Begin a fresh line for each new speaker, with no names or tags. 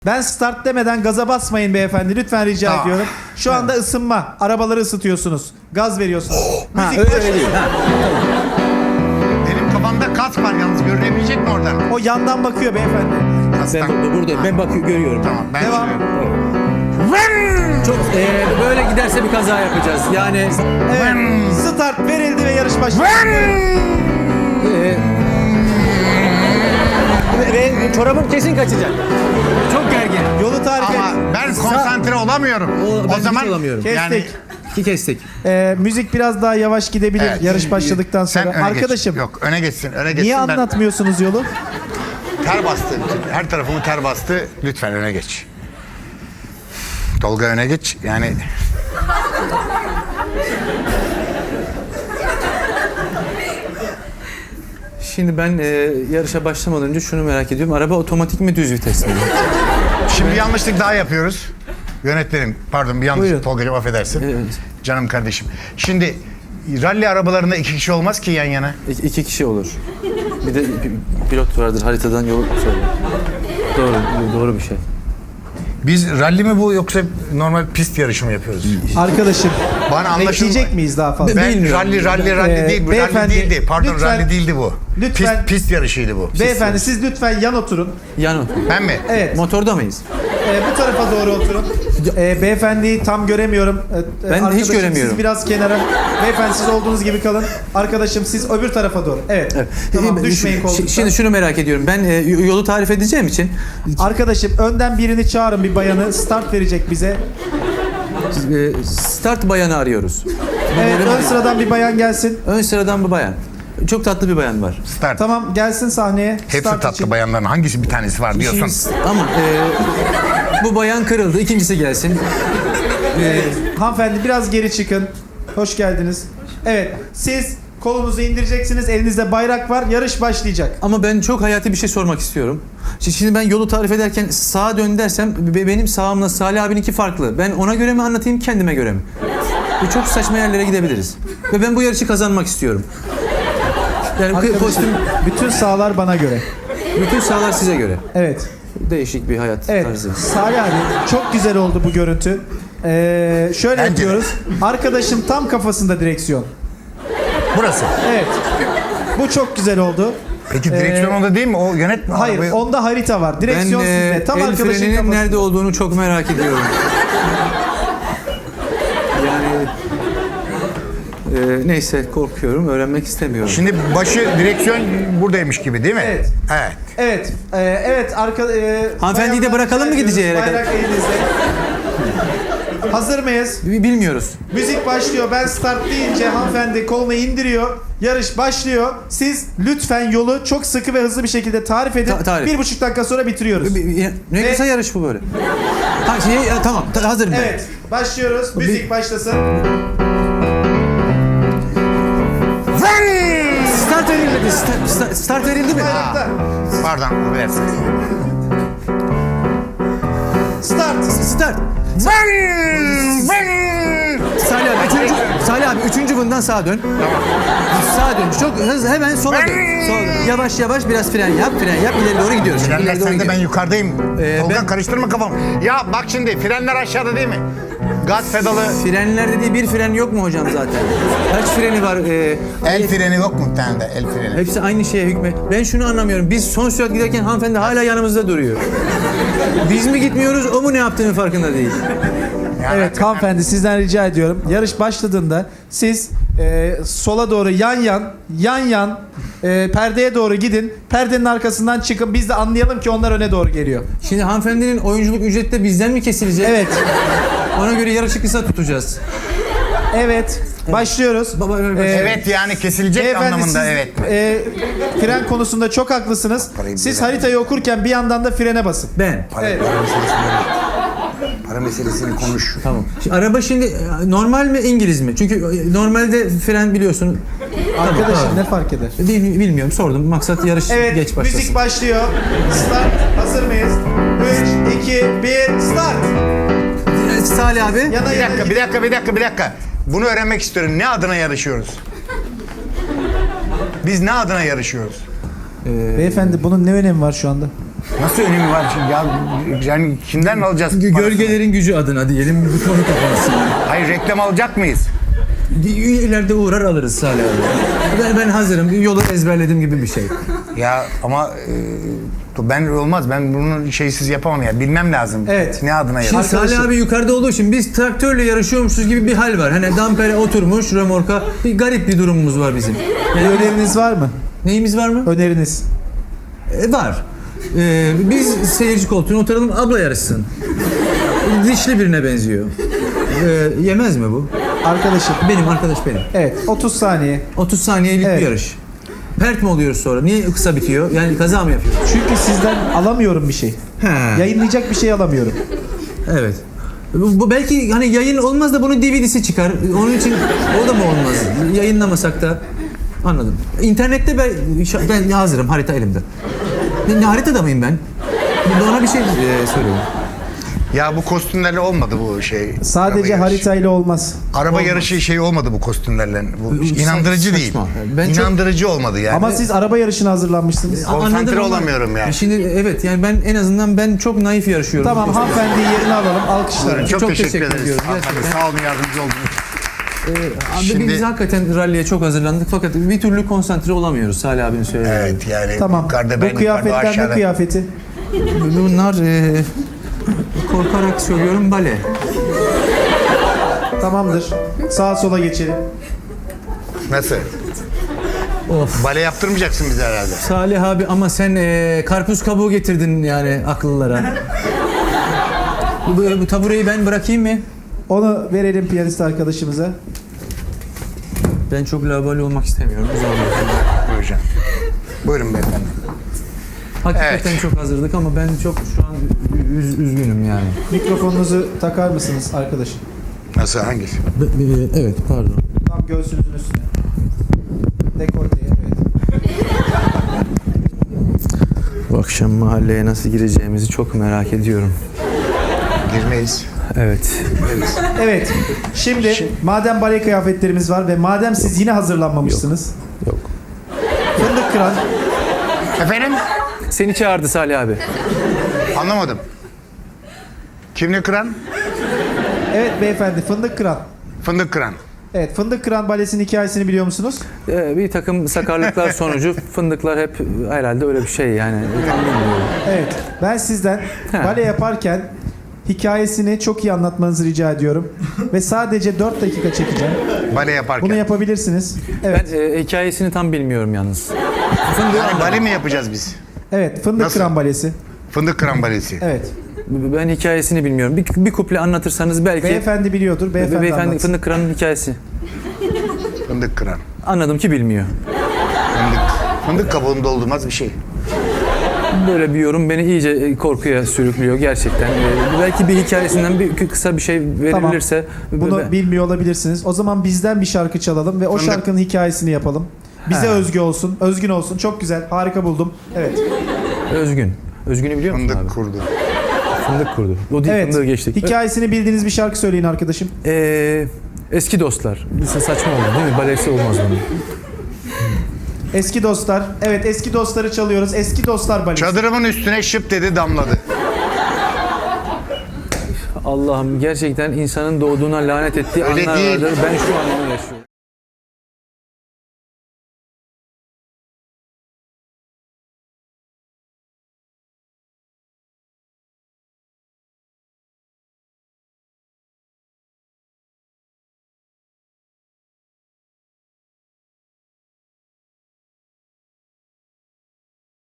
Ben start demeden gaza basmayın beyefendi. Lütfen rica ediyorum. Şu anda ısınma. Arabaları ısıtıyorsunuz. Gaz veriyorsunuz. Müzik
Öyle değil.
Benim kafamda kas var yalnız, görünebilecek mi oradan?
O yandan bakıyor beyefendi.
Ben buradayım. Ben bakıyorum, görüyorum.
Tamam, ben
Devam.
Çok böyle giderse bir kaza yapacağız. Yani
Evet. Start verildi ve yarış başladı.
ve çorabım kesin kaçacak. Çok gergin.
Yolu tarif et.
Ama ben konsantre olamıyorum.
Ben
O zaman
hiç olamıyorum.
yani
Kestik.
Kestik.
Müzik biraz daha yavaş gidebilir
Evet.
yarış başladıktan
sen
sonra.
öne
Arkadaşım
geç. Yok, öne geçsin, öne geçsin.
niye
Ben-
anlatmıyorsunuz yolu?
Ter bastı. Her tarafımı ter bastı. Lütfen öne geç. Tolga öne geç. Yani
Şimdi ben yarışa başlamadan önce şunu merak ediyorum. Araba otomatik mi, düz vites mi?
şimdi bir yanlışlık daha yapıyoruz. Yönetmenim, pardon, bir yanlışlık.
Buyurun.
Tolgacığım affedersin.
Evet.
Canım kardeşim. Şimdi ralli arabalarında iki kişi olmaz ki yan yana.
İki kişi olur. Bir de pilot vardır, haritadan yol söyler. Doğru bir şey.
Biz ralli mi bu yoksa normal pist yarışı mı yapıyoruz?
Arkadaşım
Bana anlaşılma.
bekleyecek miyiz daha fazla?
Ben
Bilmiyorum.
ralli değil bu. Ralli
beyefendi,
değildi. Pardon,
lütfen-
ralli değildi bu.
lütfen-
Pist yarışıydı bu.
Beyefendi siz lütfen yan oturun.
Yan
Ben mi?
Evet.
Motorda mıyız?
Bu tarafa doğru oturun. Beyefendiyi tam göremiyorum.
Ben de hiç
Arkadaşım,
göremiyorum.
Siz biraz kenara. Beyefendi siz olduğunuz gibi kalın. Arkadaşım siz öbür tarafa doğru. Evet. Tamam, düşmeyin koltuktan.
Şimdi şunu merak ediyorum. Ben yolu tarif edeceğim için
Arkadaşım önden birini çağırın, bir bayanı. Start verecek bize.
start bayanı arıyoruz.
Evet, ön sıradan bir bayan gelsin.
Ön sıradan bir bayan. Çok tatlı bir bayan var.
Start.
Tamam, gelsin sahneye.
Hepsi
Start
tatlı
için.
bayanların hangisi bir tanesi var diyorsun.
Ama bu bayan kırıldı. İkincisi gelsin.
Hanımefendi biraz geri çıkın. Hoş geldiniz. Evet, siz kolunuzu indireceksiniz. Elinizde bayrak var. Yarış başlayacak.
Ama ben çok hayati bir şey sormak istiyorum. Şimdi ben yolu tarif ederken sağa dön dersem benim sağımla Salih abininki farklı. Ben ona göre mi anlatayım, kendime göre mi? Bu çok saçma yerlere gidebiliriz. Ve ben bu yarışı kazanmak istiyorum. Yani
Arkadaşım,
kostüm,
bütün sahalar bana göre.
bütün sahalar size göre.
Evet.
Değişik bir hayat
Evet.
tarzı.
Salih abi çok güzel oldu bu görüntü. Şöyle
Bence de.
yapıyoruz. Arkadaşım tam kafasında direksiyon.
Burası.
Evet. Bu çok güzel oldu.
Peki direksiyon onda değil mi? O yönetme.
Hayır,
arabayı.
onda harita var.
Ben
Direksiyon sizde. Tam
el
arkadaşın
freninin
kafasında.
nerede olduğunu çok merak ediyorum. Yani neyse, korkuyorum, öğrenmek istemiyorum.
Şimdi başı direksiyon buradaymış gibi değil mi?
Evet.
Evet.
Evet. Evet.
Hanımefendiyi de
bayanlar
bırakalım mı
rica
gideceği
ediyoruz.
yere kadar?
Bayrak elinizde. Hazır mıyız?
Bilmiyoruz.
Müzik başlıyor. Ben start deyince hanımefendi kolunu indiriyor. Yarış başlıyor. Siz lütfen yolu çok sıkı ve hızlı bir şekilde tarif edin.
Tarif.
1,5 dakika sonra bitiriyoruz.
Ne
Ve-
kısa yarış bu böyle. Tamam, hazırım ben.
Evet. Başlıyoruz. Müzik başlasın.
Start verilmedi. Start verildi mi?
Bayrakta.
Pardon, affedersiniz.
Start.
Start. Salih abi üçüncü bundan sağa dön. Sağa dön. Çok hızlı, hemen sola dön. Sola dön. Yavaş yavaş biraz fren yap, ileri doğru gidiyoruz.
Frenler
İleri doğru
sende, ben
gidiyoruz.
yukarıdayım. Tolga
ben-
karıştırma kafamı. Ya bak şimdi, frenler aşağıda değil mi? Gaz pedalı,
Frenler dediği bir fren yok mu hocam zaten? Kaç freni var?
el freni yok mu bir tane de, el freni?
Hepsi aynı şeye hükmet. Ben şunu anlamıyorum. Biz son sürat giderken hanımefendi hala yanımızda duruyor. Biz mi gitmiyoruz, o mu ne yaptığının farkında değil.
Ya,
Evet hanımefendi, sizden rica ediyorum. Yarış başladığında siz sola doğru yan perdeye doğru gidin. Perdenin arkasından çıkın. Biz de anlayalım ki onlar öne doğru geliyor.
Şimdi hanımefendinin oyunculuk ücreti de bizden mi kesilecek?
Evet.
Ona göre yarışı kısa tutacağız.
Evet. Başlıyoruz.
Evet, yani kesilecek
Beyefendi,
anlamında,
siz,
evet.
fren konusunda çok haklısınız.
Parayı
Siz
bilen-
haritayı okurken bir yandan da frene basın.
Ben.
Evet.
Para meselesini konuş.
Tamam. Şimdi araba şimdi normal mi, İngiliz mi? Çünkü normalde fren biliyorsun.
Arkadaşım
Tamam.
ne fark eder?
Bilmiyorum, sordum. Maksat yarış
Evet,
geç başlasın.
müzik başlıyor. Start. Hazır mıyız? 3, 2, 1, start.
Salih abi.
Yana
Bir dakika. Bunu öğrenmek istiyorum. Ne adına yarışıyoruz? Biz ne adına yarışıyoruz?
Beyefendi bunun ne önemi var şu anda?
Nasıl önemi var şimdi ya? Yani kimden alacağız parasını?
Gölgelerin gücü adına diyelim bir konu kapansın.
Hayır, reklam alacak mıyız?
İleride uğrar alırız Salih abi. Ben hazırım. Yolu ezberlediğim gibi bir şey.
Ya ama ben olmaz. Ben bunu şeysiz yapamam ya. Bilmem lazım.
Evet.
Ne adına
Şimdi
ya?
Salih abi yukarıda olduğu için biz traktörle yarışıyormuşuz gibi bir hal var. Hani dampere oturmuş römorka. Bir garip bir durumumuz var bizim.
Bir öneriniz var mı?
Neyimiz var mı?
Öneriniz.
Var. Biz seyirci koltuğuna oturalım, abla yarışsın. Dişli birine benziyor. Yemez mi bu?
Arkadaşım.
Benim arkadaş benim.
Evet 30 saniye.
30 saniyelik
Evet.
bir yarış. Pert mi oluyoruz sonra? Niye kısa bitiyor? Yani kaza mı yapıyoruz?
Çünkü sizden alamıyorum bir şey.
He.
Yayınlayacak bir şey alamıyorum.
Evet. Bu belki hani yayın olmaz da bunun DVD'si çıkar. Onun için o da mı olmaz? Yayınlamasak da. Anladım. İnternette ben hazırım. Harita elimde. Ne haritada mıyım ben? Bana bir şey söyleyin.
Ya bu kostümlerle olmadı bu şey.
Sadece
araba yarışı.
haritayla olmaz.
Araba yarışı şey olmadı bu kostümlerle. Bu inandırıcı
Saçma.
değil.
Ben çok-
İnandırıcı olmadı yani.
Ama siz araba yarışına hazırlanmışsınız.
Konsantre
Anladım ama-
olamıyorum yani.
Şimdi evet yani ben en azından ben çok naif yarışıyorum.
Tamam hanımefendiyi yerine alalım. Alkışlar.
Çok,
çok
teşekkür
teşekkür
ederiz.
ediyoruz,
Hanımefendi,
gerçekten.
sağ olun, yardımcı oldunuz.
Abi
Şimdi-
biz hakikaten ralliye çok hazırlandık fakat bir türlü konsantre olamıyoruz Salih abinin söylediği.
Evet yani
Tamam.
yukarıda ben
Bu
yukarıda
kıyafetler ne
aşağıda.
kıyafeti?
Bunlar korkarak söylüyorum bale.
Tamamdır. Sağa sola geçelim.
Nasıl?
Of.
Bale yaptırmayacaksın bize herhalde.
Salih abi ama sen karpuz kabuğu getirdin yani akıllara. Bu tabureyi ben bırakayım mı?
Onu verelim piyanist arkadaşımıza.
Ben çok laubali olmak istemiyorum.
Buyurun. Buyurun beyefendi.
Hakikaten çok hazırdık ama ben çok şu an üzgünüm yani.
Mikrofonunuzu takar mısınız arkadaşım?
Nasıl, hangisi?
Evet pardon.
Tam göğsünüzün üstüne. Dekolteye evet.
Bu akşam mahalleye nasıl gireceğimizi çok merak ediyorum.
Girmeyiz.
Evet.
Evet. Şimdi madem bale kıyafetlerimiz var ve madem siz yine hazırlanmamışsınız.
Yok.
Fındık kıran.
Efendim?
Seni çağırdı Salih abi.
Anlamadım. Kimle kıran?
Evet beyefendi fındık kıran.
Fındık kıran.
Evet fındık kıran balesinin hikayesini biliyor musunuz?
Bir takım sakarlıklar sonucu fındıklar hep herhalde öyle bir şey yani. Tam bilmiyorum.
Evet. Ben sizden bale yaparken hikayesini çok iyi anlatmanızı rica ediyorum. Ve sadece 4 dakika çekeceğim.
Bale yaparken.
Bunu yapabilirsiniz. Evet.
Ben hikayesini tam bilmiyorum yalnız.
Yani bale mi yapacağız biz?
Evet fındık
Nasıl?
kıran balesi.
Fındık kıran balesi.
Evet.
Ben hikayesini bilmiyorum. Bir kuple anlatırsanız belki.
Beyefendi biliyordur. Beyefendi anlatsın.
Fındık Kıran'ın hikayesi.
Fındık kıran.
Anladım ki bilmiyor.
Fındık kabuğunu doldurmaz bir şey.
Böyle bir yorum beni iyice korkuya sürüklüyor gerçekten. Belki bir hikayesinden bir kısa bir şey verilirse.
Bunu bilmiyor olabilirsiniz. O zaman bizden bir şarkı çalalım ve o
Fındık.
şarkının hikayesini yapalım. Bize özgü olsun, özgün olsun. Çok güzel, harika buldum. Evet.
Özgün. Özgün'ü biliyor musun abi?
Fındık kurdu.
Fındık kurdu. O değil,
Evet.
fındığı geçtik.
Hikayesini bildiğiniz bir şarkı söyleyin arkadaşım.
Eski dostlar. Saçma oldu değil mi? Balesi olmaz bunun.
Eski dostlar. Evet, eski dostları çalıyoruz. Eski dostlar balesi.
Çadırımın üstüne şıp dedi, damladı.
Allah'ım gerçekten insanın doğduğuna lanet ettiği
Öyle
anlar
değil.
vardır. Ben şu an onu yaşıyorum.